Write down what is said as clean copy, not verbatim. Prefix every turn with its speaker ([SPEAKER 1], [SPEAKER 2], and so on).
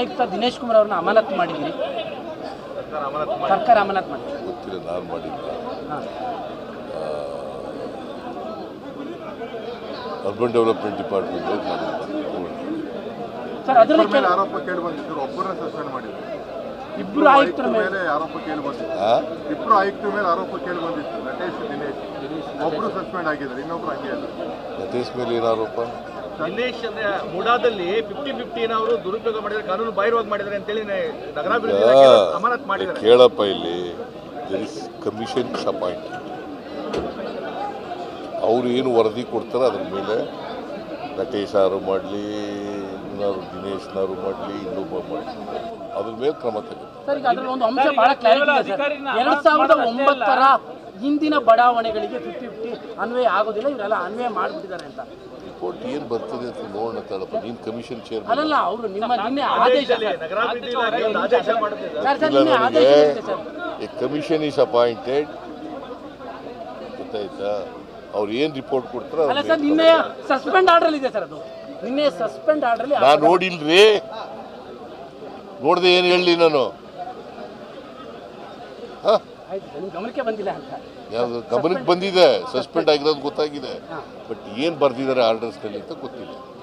[SPEAKER 1] ಆಯುಕ್ತ ದಿನೇಶ್ ಕುಮಾರ್ ಅವ್ರನ್ನ ಅಮಾನತು ಮಾಡಿದ್ದೀರಿ, ಸರ್ಕಾರ ಅಮಾನತು ಮಾಡಿ.
[SPEAKER 2] ಗೊತ್ತಿಲ್ಲ, ನಾನು ಮಾಡಿಲ್ಲ. ಅರ್ಬನ್ ಡೆವಲಪ್ಮೆಂಟ್ ಡಿಪಾರ್ಟ್ಮೆಂಟ್
[SPEAKER 1] ಸರ್ ಅದರಲ್ಲಿ
[SPEAKER 3] ಮೇಲೆ ಆರೋಪ ಕೇಳಿ ಬಂದಿದ್ರು, ಒಬ್ಬರನ್ನ ಸಸ್ಪೆಂಡ್ ಮಾಡಿದ್ರು.
[SPEAKER 1] ಇಬ್ಬರು ಆಯುಕ್ತರ ಮೇಲೆ
[SPEAKER 3] ಆರೋಪ ಕೇಳಿ ಬಂದಿತ್ತು. ಇಬ್ಬರು ಆಯುಕ್ತರ ಮೇಲೆ ಆರೋಪ ಕೇಳಿ ಬಂದಿತ್ತು, ನಟೇಶ್ ದಿನೇಶ್. ಒಬ್ರು ಸಸ್ಪೆಂಡ್ ಆಗಿದ್ದಾರೆ, ಇನ್ನೊಬ್ರು ಹಂಗೆ ಅಲ್ಲ.
[SPEAKER 2] ನಟೇಶ್ ಮೇಲೆ ಏನು ಆರೋಪ?
[SPEAKER 4] ದಿನೇಶ್ ಅಂದ್ರೆ ಮುಡಾದಲ್ಲಿ 50-50 ಅವರು ದುರುಪಯೋಗ ಮಾಡಿದ್ದಾರೆ, ಕಾನೂನು ಬಾಹಿರವಾಗಿ ಮಾಡಿದ್ದಾರೆ ಅಂತೇಳಿ ನಗರಾಭಿವೃದ್ಧಿ ಅಮಾನತ್ ಮಾಡಿದ್ದಾರೆ.
[SPEAKER 2] ಕೇಳಪ್ಪ, ಇಲ್ಲಿ ದೇರ್ ಇಸ್ ಕಮಿಷನ್ ಅಪಾಯಿಂಟ್. ಅವರು ಏನು ವರದಿ ಕೊಡ್ತಾರೆ ಅದ್ರ ಮೇಲೆ ನಟೇಶ್ ಯಾರು ಮಾಡಲಿ, ಇನ್ನಾರು ದಿನೇಶ್ನಾರು ಮಾಡಲಿ, ಇನ್ನೊಬ್ಬ ಮಾಡಲಿ, ಅದ್ರ ಮೇಲೆ ಕ್ರಮ ತಗುತ್ತೆ.
[SPEAKER 1] ಸರ್ ಈಗ ಅದರಲ್ಲಿ ಒಂದು ಅಂಶ ಬಹಳ ಕ್ಲಾರಿಟಿ ಇದೆ ಸರ್. 2009ರ ಹಿಂದಿನ ಬಡಾವಣೆಗಳಿಗೆ 50-50 ಅನ್ವಯ ಆಗೋದಿಲ್ಲ, ಇವರೆಲ್ಲ ಅನ್ವಯ ಮಾಡಿಬಿಟ್ಟಿದ್ದಾರೆ ಅಂತ
[SPEAKER 2] ರಿಪೋರ್ಟ್ ಏನು ಬರ್ತದೆ ಅಂತ ನೋಡೋಣ ತಡಪ್ಪ. ನೀನು ಕಮಿಷನ್ ಚೇರ್
[SPEAKER 1] ಅಲ್ಲ, ಅವರು ನಿಮ್ಮ ನಿನ್ನೆ ಆದೇಶ
[SPEAKER 4] ನಗರಾಭಿವೃದ್ಧಿ ಇಲಾಖೆ ಒಂದು ಆದೇಶ ಮಾಡುತ್ತಿದೆ.
[SPEAKER 2] ಎ ಕಮಿಷನ್ ಈಸ್ ಅಪಾಯಿಂಟೆಡ್, ಗೊತ್ತಾಯ್ತಾ? ಅವ್ರು ಏನು ರಿಪೋರ್ಟ್ ಕೊಡ್ತಾರೆ
[SPEAKER 1] ಅಲ್ಲ ಸರ್, ನಿನ್ನೆ ಸಸ್ಪೆಂಡ್ ಆರ್ಡರ್ ಇದೆ ಸರ್. ಅದು ನಿನ್ನೆ ಸಸ್ಪೆಂಡ್ ಆರ್ಡರ್
[SPEAKER 2] ನಾನು ನೋಡಿಲ್ರಿ, ನೋಡ್ದೆ ಏನು ಹೇಳಿ ನಾನು?
[SPEAKER 1] ಗಮನಕ್ಕೆ ಬಂದಿಲ್ಲ ಅಂತ.
[SPEAKER 2] ಯಾವುದು ಗಮನಕ್ಕೆ ಬಂದಿದೆ? ಸಸ್ಪೆಂಡ್ ಆಗಿರೋದು ಗೊತ್ತಾಗಿದೆ, ಬಟ್ ಏನು ಬರ್ದಿದ್ದಾರೆ ಆರ್ಡರ್ಸ್ನಲ್ಲಿ ಅಂತ ಗೊತ್ತಿಲ್ಲ.